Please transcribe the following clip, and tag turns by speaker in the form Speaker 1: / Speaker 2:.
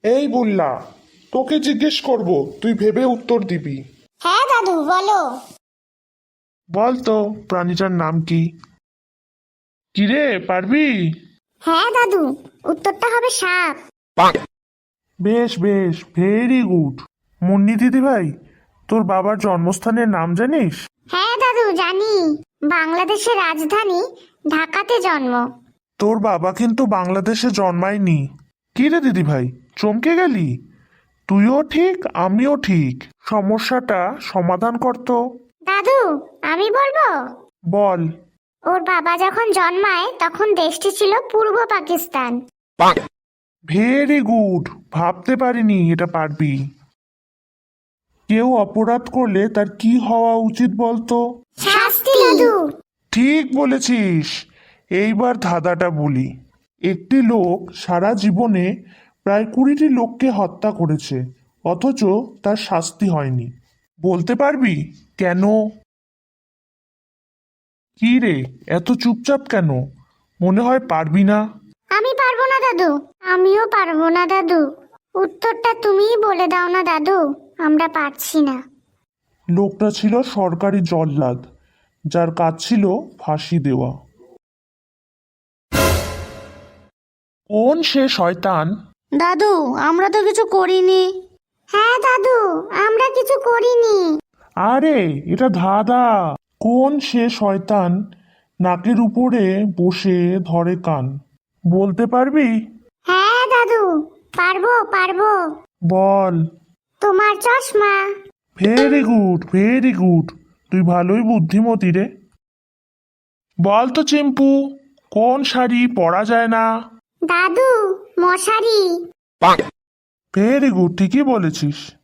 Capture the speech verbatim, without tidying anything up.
Speaker 1: এই বললা, তোকে জিজ্ঞেস করব, তুই ভেবে উত্তর দিবি।
Speaker 2: হ্যাঁ দাদু বলো।
Speaker 1: বল তো প্রাণীটার নাম কি? কিরে, পারবি?
Speaker 2: হ্যাঁ দাদু, উত্তরটা হবে সাপ।
Speaker 1: বেশ বেশ, ভেরি গুড। মুন্নি দিদি ভাই, তোর বাবার জন্মস্থানের নাম জানিস?
Speaker 2: হ্যাঁ দাদু জানি, বাংলাদেশের রাজধানী ঢাকাতে জন্ম।
Speaker 1: তোর বাবা কিন্তু বাংলাদেশে জন্মায়নি। কি রে দিদি ভাই, চমকে গেলি? তুইও ঠিক, আমিও ঠিক। সমস্যাটা সমাধান করতো।
Speaker 2: দাদু আমি বলবো।
Speaker 1: বল।
Speaker 2: ওর বাবা যখন জন্মায় তখন দেশটি ছিল পূর্ব পাকিস্তান।
Speaker 1: ভেরি গুড, ভাবতে পারিনি এটা পারবি। কেউ অপরাধ করলে তার কি হওয়া উচিত বলতো?
Speaker 2: শাস্তি দাদু।
Speaker 1: ঠিক বলেছিস। এইবার ধাঁধাটা বলি। একটি লোক সারা জীবনে প্রায় কুড়িটি লোককে হত্যা করেছে, অথচ তার শাস্তি হয়নি। বলতে পারবি কেন? কি রে, এত চুপচাপ কেন? মনে হয় পারবি না।
Speaker 2: আমি পারবো না দাদু, আমিও পারবো না দাদু। উত্তরটা তুমিই বলে দাও না দাদু, আমরা পারছি না।
Speaker 1: লোকটা ছিল সরকারি জল্লাদ, যার কাজ ছিল ফাঁসি দেওয়া। কোন সে শয়তান?
Speaker 2: দাদু আমরা তো কিছু করিনি। হ্যাঁ দাদু, আমরা কিছু করিনি।
Speaker 1: আরে এটা ধাঁধা। কোন সে শয়তান নাকের উপরে বসে ধরে কান? বলতে পারবি?
Speaker 2: হ্যাঁ দাদু পারবো পারবো।
Speaker 1: বল।
Speaker 2: তোমার চশমা।
Speaker 1: Very good, very good. তুই ভালোই বুদ্ধিমতী রে। বল তো চিম্পু, কোন শাড়ি পরা যায় না?
Speaker 2: দাদু মশারি।
Speaker 1: ভেরি গুড, ঠিকই বলেছিস।